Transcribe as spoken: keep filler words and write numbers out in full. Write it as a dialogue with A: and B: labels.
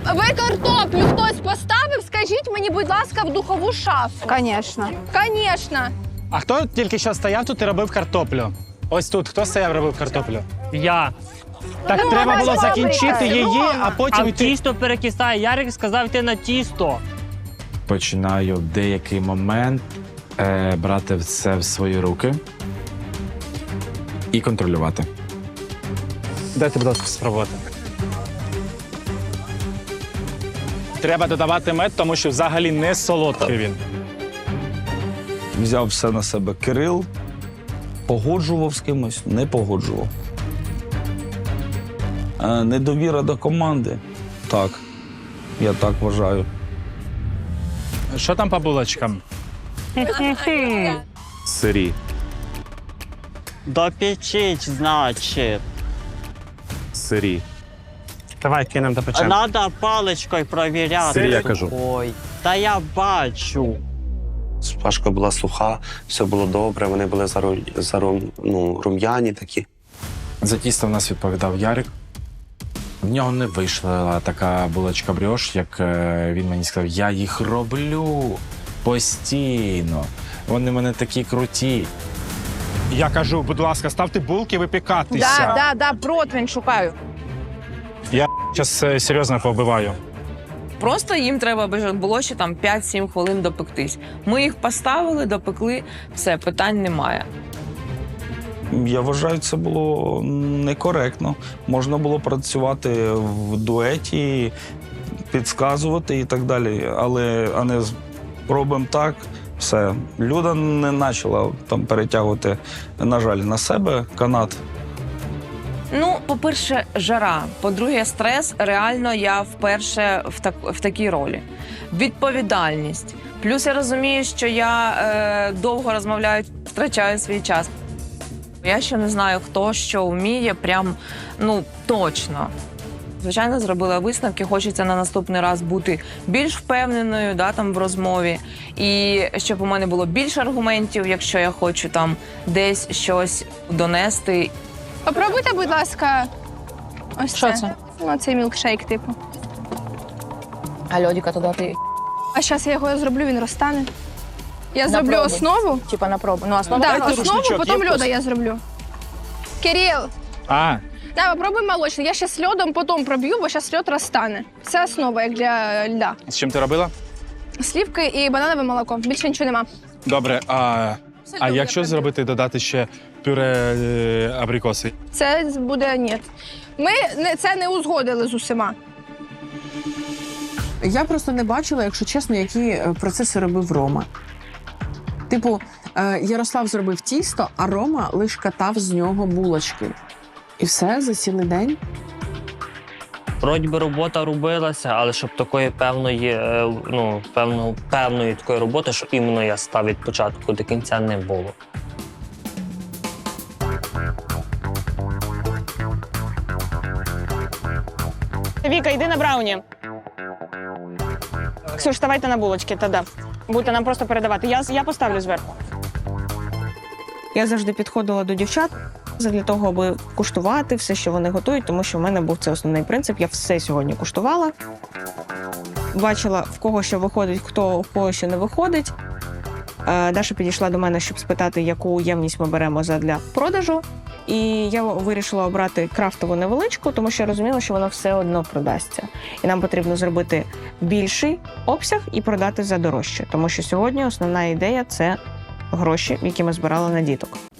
A: Ви картоплю хтось поставив? Скажіть мені, будь ласка, в духову шафу.
B: Звісно.
A: Звісно.
C: А хто тільки що стояв тут і робив картоплю? Ось тут. Хто стояв і робив картоплю?
D: Я.
C: Так
A: Ну,
C: треба
A: вона
C: було
A: ж
C: закінчити
A: фабрика,
C: її,
A: Рома.
C: а
D: А
C: потім
D: в
C: йти.
D: тісто перекисає. Ярик сказав йти на тісто.
E: Починаю в деякий момент е, брати все в свої руки і контролювати.
C: Дайте, будь ласка, спробувати. Треба додавати мед, тому що взагалі не солодкий він.
F: Взяв все на себе Кирил, погоджував з кимось, не погоджував. Е, Недовіра до команди. Так, я так вважаю.
C: Що там по булочкам?
E: Сирі.
G: Допечить, значить.
E: Сирі.
C: Давай кинемо до печенья.
G: Надо паличкою провіряти.
E: Сирі, я кажу.
G: Ой, та я бачу.
H: Пашка була суха, все було добре, вони були зару... зару... ну, рум'яні такі.
E: За тісто в нас відповідав Ярик. В нього не вийшла така булочка бріош, як е, він мені сказав. Я їх роблю постійно. Вони в мене такі круті.
C: Я кажу, будь ласка, ставте булки випікатися.
B: Да, да, да, противень шукаю.
C: Я зараз серйозно повбиваю.
I: Просто їм треба було ще там п'ять-сім хвилин допектись. Ми їх поставили, допекли, все, питань немає.
F: Я вважаю, це було некоректно. Можна було працювати в дуеті, підказувати і так далі. Але а не з- робимо так, все. Люда не почала там перетягувати, на жаль, на себе канат.
I: Ну, по-перше, жара. По-друге, стрес. Реально я вперше в, так, в такій ролі. Відповідальність. Плюс я розумію, що я е, довго розмовляю, втрачаю свій час. Я ще не знаю, хто що вміє, прям, ну, точно. Звичайно, зробила висновки, хочеться на наступний раз бути більш впевненою, да, там, в розмові. І щоб у мене було більше аргументів, якщо я хочу там десь щось донести.
A: Попробуйте, будь ласка, ось
I: Що
A: це.
I: це?
A: Ну, цей мілкшейк, типу.
I: А льодика туди ти,
A: А зараз я його зроблю, він розтане. Я
I: На
A: зроблю
I: пробу.
A: основу.
I: типа, на пробу. Ну, основа
A: Так,
C: Давайте
A: основу,
C: рушничок,
A: потім
C: є
A: льода
C: хтось?
A: я зроблю. Кирил,
C: А,
A: давай, попробуй молочний. Я ще з льодом потім проб'ю, бо зараз льод розтане. Це основа, як для льда.
C: з чим ти робила?
A: Слівки і бананове молоко. Більше нічого нема.
C: Добре, а, а якщо зробити, додати ще пюре е, абрикоси?
A: Це буде ні. Ми не, це не узгодили з усіма.
J: Я просто не бачила, якщо чесно, які е, процеси робив Рома. Типу, е, Ярослав зробив тісто, а Рома лише катав з нього булочки. І все за цілий день.
D: Вроді би робота робилася, але щоб такої певної, е, ну, певно, певної такої роботи, що іменно я став від початку до кінця, не було.
B: Віка, йди на брауні. Ксюш, ставайте на булочки, тоді. Будете нам просто передавати. Я, я поставлю зверху.
J: Я завжди підходила до дівчат для того, аби куштувати все, що вони готують, тому що в мене був це основний принцип. Я все сьогодні куштувала. Бачила, в кого що виходить, хто в кого що не виходить. Е, Даша підійшла до мене, щоб спитати, яку ємність ми беремо для продажу. І я вирішила обрати крафтову невеличку, тому що я розуміла, що вона все одно продасться. І нам потрібно зробити більший обсяг і продати за дорожче. Тому що сьогодні основна ідея – це гроші, які ми збирали на діток.